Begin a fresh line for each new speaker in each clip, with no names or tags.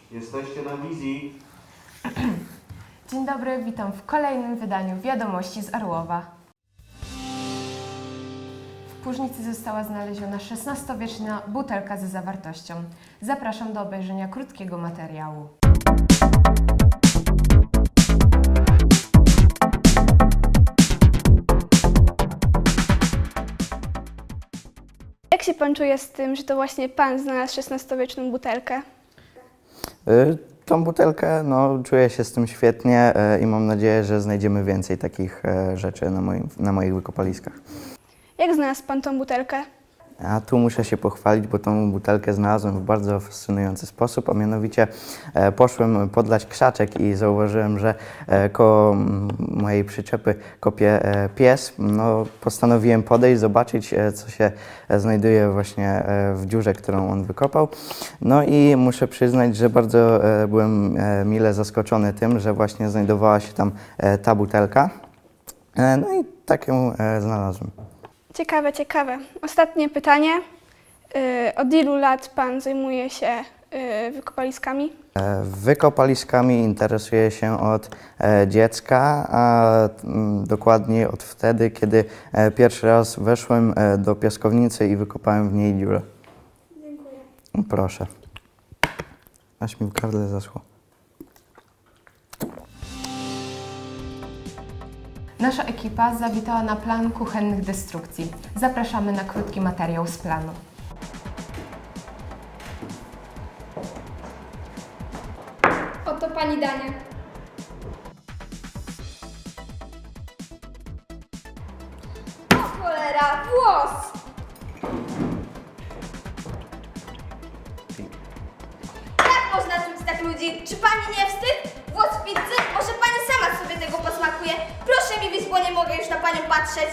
Jesteście na wizji.
Dzień dobry, witam w kolejnym wydaniu Wiadomości z Arłowa. W Płużnicy została znaleziona XVI-wieczna butelka ze zawartością. Zapraszam do obejrzenia krótkiego materiału.
Jak się pan czuje z tym, że to właśnie pan znalazł XVI-wieczną butelkę?
Tą butelkę, czuję się z tym świetnie i mam nadzieję, że znajdziemy więcej takich rzeczy na moich wykopaliskach.
Jak znalazł pan tą butelkę?
A tu muszę się pochwalić, bo tą butelkę znalazłem w bardzo fascynujący sposób, a mianowicie poszłem podlać krzaczek i zauważyłem, że koło mojej przyczepy kopie pies. Postanowiłem podejść, zobaczyć, co się znajduje właśnie w dziurze, którą on wykopał. No i muszę przyznać, że bardzo byłem mile zaskoczony tym, że właśnie znajdowała się tam ta butelka. No i tak ją znalazłem.
Ciekawe, ciekawe. Ostatnie pytanie. Od ilu lat pan zajmuje się wykopaliskami?
Wykopaliskami interesuję się od dziecka, a dokładnie od wtedy, kiedy pierwszy raz weszłem do piaskownicy i wykopałem w niej dziurę.
Dziękuję.
Proszę. Aż mi w gardle zaschło.
Nasza ekipa zawitała na plan kuchennych destrukcji. Zapraszamy na krótki materiał z planu.
Oto pani danie. O cholera, włos!
Jak można czuć tak ludzi? Czy pani nie wstyd? Włos pizzy? Może pani sama sobie tego posmakuje? Proszę mi wyjść, bo nie mogę już na panią patrzeć.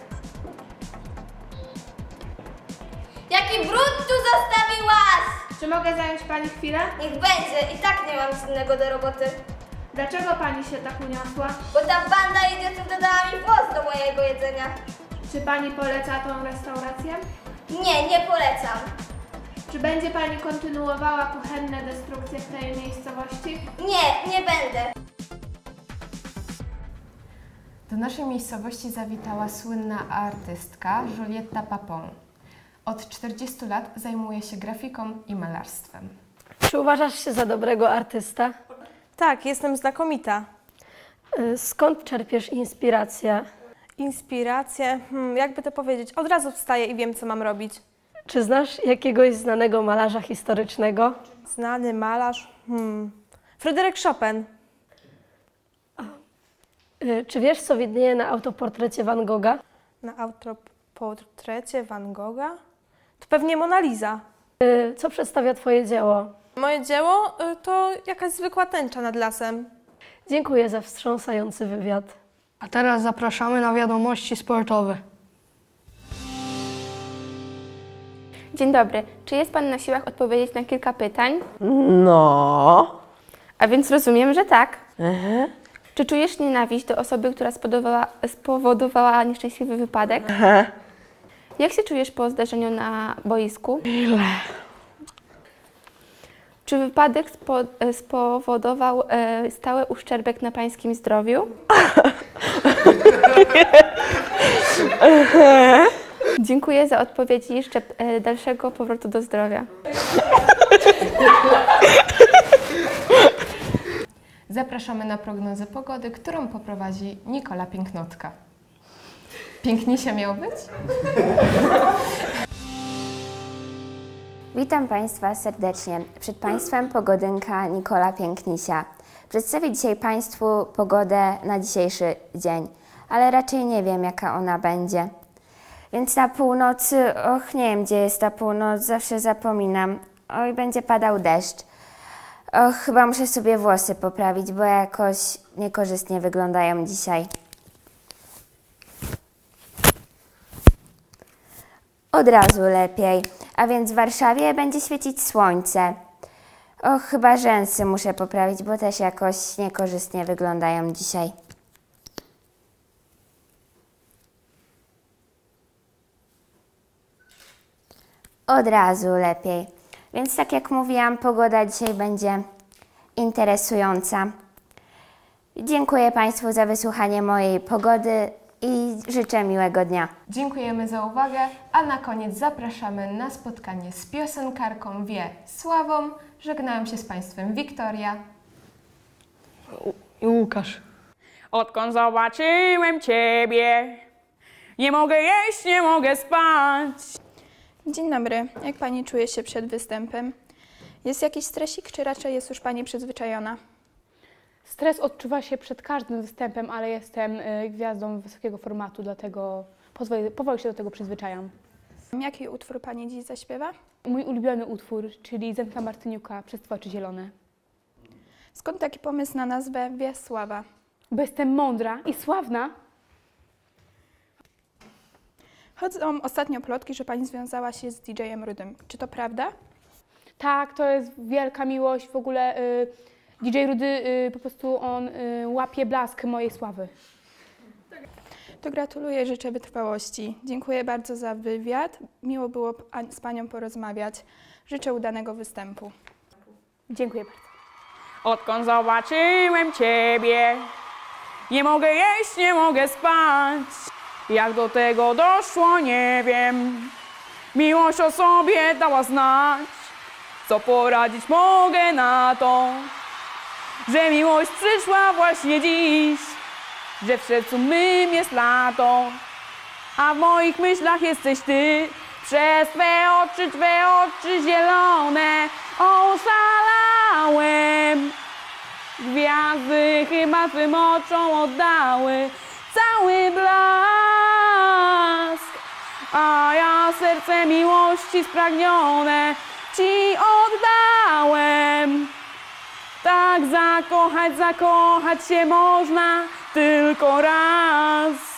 Jaki brud tu zostawiłaś?
Czy mogę zająć Pani chwilę?
Niech będzie, i tak nie mam nic innego do roboty.
Dlaczego Pani się tak uniosła?
Bo ta banda idiotów dodała mi włos do mojego jedzenia.
Czy Pani poleca tą restaurację?
Nie, nie polecam.
Czy będzie Pani kontynuowała kuchenne destrukcje w tej miejscowości?
Nie, nie będę.
Do naszej miejscowości zawitała słynna artystka Julietta Papon. Od 40 lat zajmuje się grafiką i malarstwem.
Czy uważasz się za dobrego artysta?
Tak, jestem znakomita.
Skąd czerpiesz inspirację?
Inspiracje, jakby to powiedzieć, od razu wstaję i wiem, co mam robić.
Czy znasz jakiegoś znanego malarza historycznego?
Znany malarz, Fryderyk Chopin.
Czy wiesz, co widnieje na autoportrecie Van Gogha?
Na autoportrecie Van Gogha? To pewnie Mona Lisa.
Co przedstawia Twoje dzieło?
Moje dzieło to jakaś zwykła tęcza nad lasem.
Dziękuję za wstrząsający wywiad.
A teraz zapraszamy na wiadomości sportowe.
Dzień dobry. Czy jest Pan na siłach odpowiedzieć na kilka pytań?
No.
A więc rozumiem, że tak. Czy czujesz nienawiść do osoby, która spowodowała nieszczęśliwy wypadek? Jak się czujesz po zdarzeniu na boisku?
Źle.
Czy wypadek spowodował stały uszczerbek na Pańskim zdrowiu? Dziękuję za odpowiedź i jeszcze dalszego powrotu do zdrowia.
Zapraszamy na prognozę pogody, którą poprowadzi Nikola Pięknotka. Pięknisia miał być?
Witam Państwa serdecznie. Przed Państwem pogodynka Nikola Pięknisia. Przedstawię dzisiaj Państwu pogodę na dzisiejszy dzień, ale raczej nie wiem, jaka ona będzie. Więc na północy, nie wiem, gdzie jest ta północ, zawsze zapominam. Oj, będzie padał deszcz. Chyba muszę sobie włosy poprawić, bo jakoś niekorzystnie wyglądają dzisiaj. Od razu lepiej. A więc w Warszawie będzie świecić słońce. Chyba rzęsy muszę poprawić, bo też jakoś niekorzystnie wyglądają dzisiaj. Od razu lepiej. Więc tak jak mówiłam, pogoda dzisiaj będzie interesująca. Dziękuję Państwu za wysłuchanie mojej pogody i życzę miłego dnia.
Dziękujemy za uwagę, a na koniec zapraszamy na spotkanie z piosenkarką Wiesławą. Żegnają się z Państwem Wiktoria
I Łukasz.
Odkąd zobaczyłem Ciebie, nie mogę jeść, nie mogę spać.
Dzień dobry. Jak Pani czuje się przed występem? Jest jakiś stresik, czy raczej jest już Pani przyzwyczajona?
Stres odczuwa się przed każdym występem, ale jestem gwiazdą wysokiego formatu, dlatego powoli się do tego przyzwyczajam.
Jaki utwór Pani dziś zaśpiewa?
Mój ulubiony utwór, czyli Zenka Martyniuka, Przez Twoje oczy zielone.
Skąd taki pomysł na nazwę Wiesława?
Bo jestem mądra i sławna.
Chodzą ostatnio plotki, że Pani związała się z DJ-em Rudym. Czy to prawda?
Tak, to jest wielka miłość. W ogóle DJ Rudy po prostu on łapie blask mojej sławy.
To gratuluję, życzę wytrwałości. Dziękuję bardzo za wywiad. Miło było z Panią porozmawiać. Życzę udanego występu.
Dziękuję bardzo.
Odkąd zobaczyłem Ciebie, nie mogę jeść, nie mogę spać. Jak do tego doszło, nie wiem. Miłość o sobie dała znać. Co poradzić mogę na to, że miłość przyszła właśnie dziś, że w sercu mym jest lato, a w moich myślach jesteś Ty. Przez Twe oczy zielone oszalałem. Gwiazdy chyba Twym oczom oddały cały blask, a ja serce miłości spragnione Ci oddałem. Tak zakochać się można tylko raz.